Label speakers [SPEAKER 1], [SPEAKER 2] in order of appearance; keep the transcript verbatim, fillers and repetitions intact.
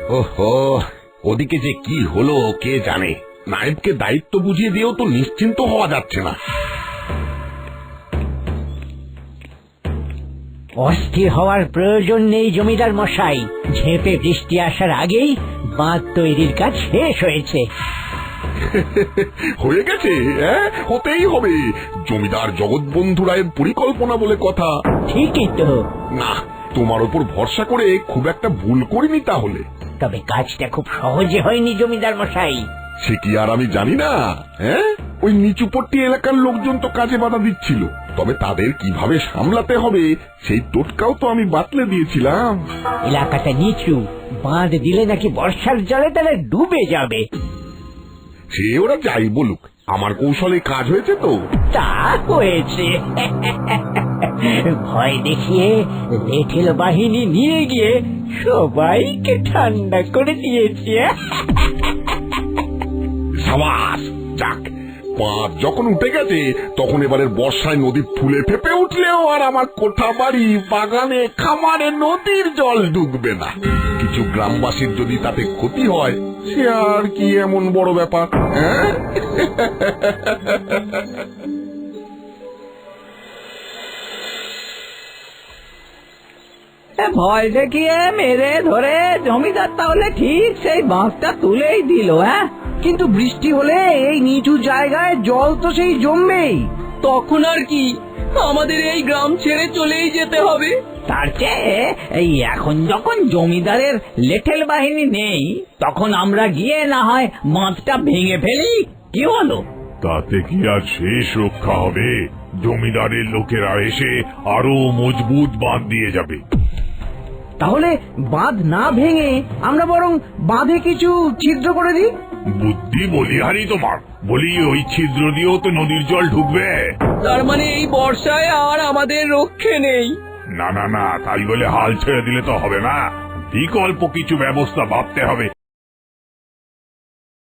[SPEAKER 1] ওহো, ওদিকে যে কি হলো কে জানে। নায়েবকে দায়িত্ব বুঝিয়ে দিয়েও তো নিশ্চিন্ত হওয়া যাচ্ছে না।
[SPEAKER 2] অস্থির হওয়ার প্রয়োজন নেই জমিদার মশাই। ঝেঁপে বৃষ্টি আসার আগেই বাঁধ তৈরির কাজ শেষ হয়েছে।
[SPEAKER 1] হয়ে গেছে, হ্যাঁ, হতেই হবে। জমিদার জগৎবন্ধু রায়ের পরিকল্পনা বলে কথা।
[SPEAKER 2] ঠিকই তো।
[SPEAKER 1] না, তোমার উপর ভরসা করে খুব একটা ভুল করিনি তাহলে।
[SPEAKER 2] তবে কাজটা খুব সহজে হয়নি জমিদার মশাই।
[SPEAKER 1] সে কি আর আমি জানি না? হ্যাঁ, ওই নিচুপট্টি এলাকার লোকজন তো কাজে বাধা দিচ্ছিল, তবে তাদের কিভাবে সামলাতে হবে সেই টোটকাও তো আমি বাতলে দিয়েছিলাম।
[SPEAKER 2] এলাকাটা নিচু, বাঁধ দিলে নাকি বর্ষার জলে তাহলে ডুবে যাবে।
[SPEAKER 1] সে ওরা যাই বলুক, আমার কৌশলে কাজ হয়েছে তো।
[SPEAKER 2] তা হয়েছে। ভয় দেখিয়ে লেঠেল বাহিনী নিয়ে গিয়ে সবাইকে ঠান্ডা করে দিয়েছে।
[SPEAKER 1] সাবাস, যাক, বাঁধ যখন উঠে গেছে তখন এবারের বর্ষায় নদী ফুলে ফেপে উঠলেও আর আমার কোঠা বাড়ি, বাগানে, খামারে নদীর জল ঢুকবে না। কিছু গ্রামবাসীর যদি তাতে ক্ষতি হয় সে আর কি এমন বড় ব্যাপার, হ্যাঁ?
[SPEAKER 2] ভয় দেখিয়ে মেরে ধরে জমিদার তাহলে ঠিক সেই বাঁধটা তুলেই দিল। হ্যাঁ, কিন্তু বৃষ্টি হলে এই নিচু জায়গায় জল তো সেই জমবেই।
[SPEAKER 3] তখন আর কি, আমাদের এই গ্রাম ছেড়ে চলেই যেতে হবে।
[SPEAKER 2] তার চেয়ে এই এখন যখন জমিদারের লেঠেল বাহিনী নেই, তখন আমরা গিয়ে না হয় বাঁধটা ভেঙে ফেলি, কি হলো?
[SPEAKER 4] তাতে কি আর শেষ রক্ষা হবে? জমিদারের লোকেরা এসে আরো মজবুত বাঁধ দিয়ে যাবে।
[SPEAKER 2] তাহলে বাঁধ না ভেঙে আমরা বরং বাঁধে কিছু ছিদ্র করে দিই।
[SPEAKER 4] বুদ্ধি বলিহারি তোমার। বলি ওই ছিদ্র দিয়েও তো নদীর জল ঢুকবে।
[SPEAKER 3] তার মানে এই বর্ষায় আর আমাদের রক্ষে নেই।
[SPEAKER 4] না না না, তাই বলে হাল ছেড়ে দিলে তো হবে না। বিকল্প কিছু ব্যবস্থা ভাবতে হবে।